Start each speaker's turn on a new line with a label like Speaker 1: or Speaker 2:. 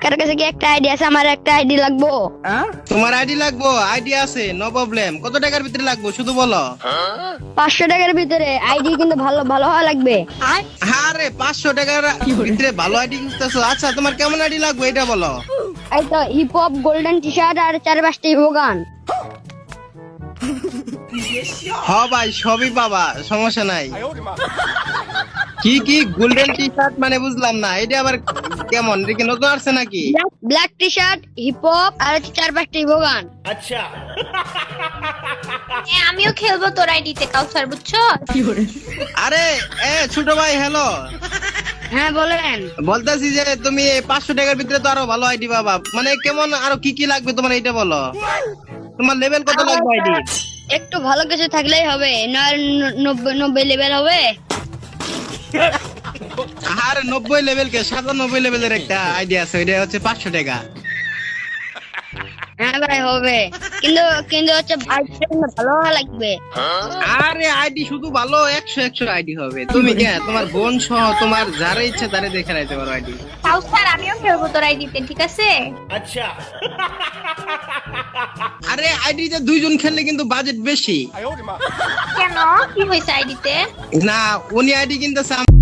Speaker 1: কার কাছে কি একটা আইডি আছে? আমার একটা আইডি লাগবো।
Speaker 2: তোমার আইডি লাগবো? আইডি আছে, নো প্রবলেম। কত টাকার ভিতরে লাগবো শুধু বলো।
Speaker 1: 500 টাকার ভিতরে আইডি, কিন্তু ভালো ভালো হওয়া লাগবে।
Speaker 2: আরে 500 টাকার ভিতরে ভালো আইডি খুঁজতেছো? আচ্ছা তোমার কেমন আইডি লাগবে এটা বলো।
Speaker 1: এই তো hip hop golden T shirt আর 4-5টি ভোগান।
Speaker 2: হ ভাই, সবই পাবা, সমস্যা নাই। কি কি গোল্ডেন টি শার্ট মানে বুঝলাম না, এটা আবার কেমন? এটা কি নতুন আসছে নাকি?
Speaker 1: Black T shirt, hip hop আর 4-5টি ভোগান।
Speaker 3: আমিও খেলবো তোর আইডিতে কাউসার, বুঝছো?
Speaker 2: আরে ছোট ভাই, হ্যালো।
Speaker 1: হ্যাঁ বলেন।
Speaker 2: বলতেছি যে তুমি এই 500 টাকার ভিতরে তো আরো ভালো আইডি পাবা, মানে কেমন আরো কি কি লাগবে তোমার এটা বলো। তোমার লেভেল কত লাগবে আইডি?
Speaker 1: একটু ভালো কিছু থাকলেই হবে, 90 লেভেল হবে।
Speaker 2: আর 90 লেভেল কে 97 লেভেলের একটা আইডি আছে, ওইটা হচ্ছে 500 টাকা।
Speaker 1: হ্যাঁ ভাই হবে, কিন্তু কিন্তু হচ্ছে আইডিটা ভালো হওয়া লাগবে।
Speaker 2: আরে আইডি শুধু ভালো 100 আইডি হবে। তুমি কে তোমার বোন সহ তোমার যারা ইচ্ছা তারে দেখে রাখতে পারো আইডি।
Speaker 3: কাউসার আমিও খেলবো তোর আইডিতে, ঠিক আছে?
Speaker 2: আরে আইডিতে দুইজন খেললে কিন্তু বাজেট বেশি।
Speaker 3: কেন, কি হয়েছে আইডিতে?
Speaker 2: না, উনি আইডি কিনতেছে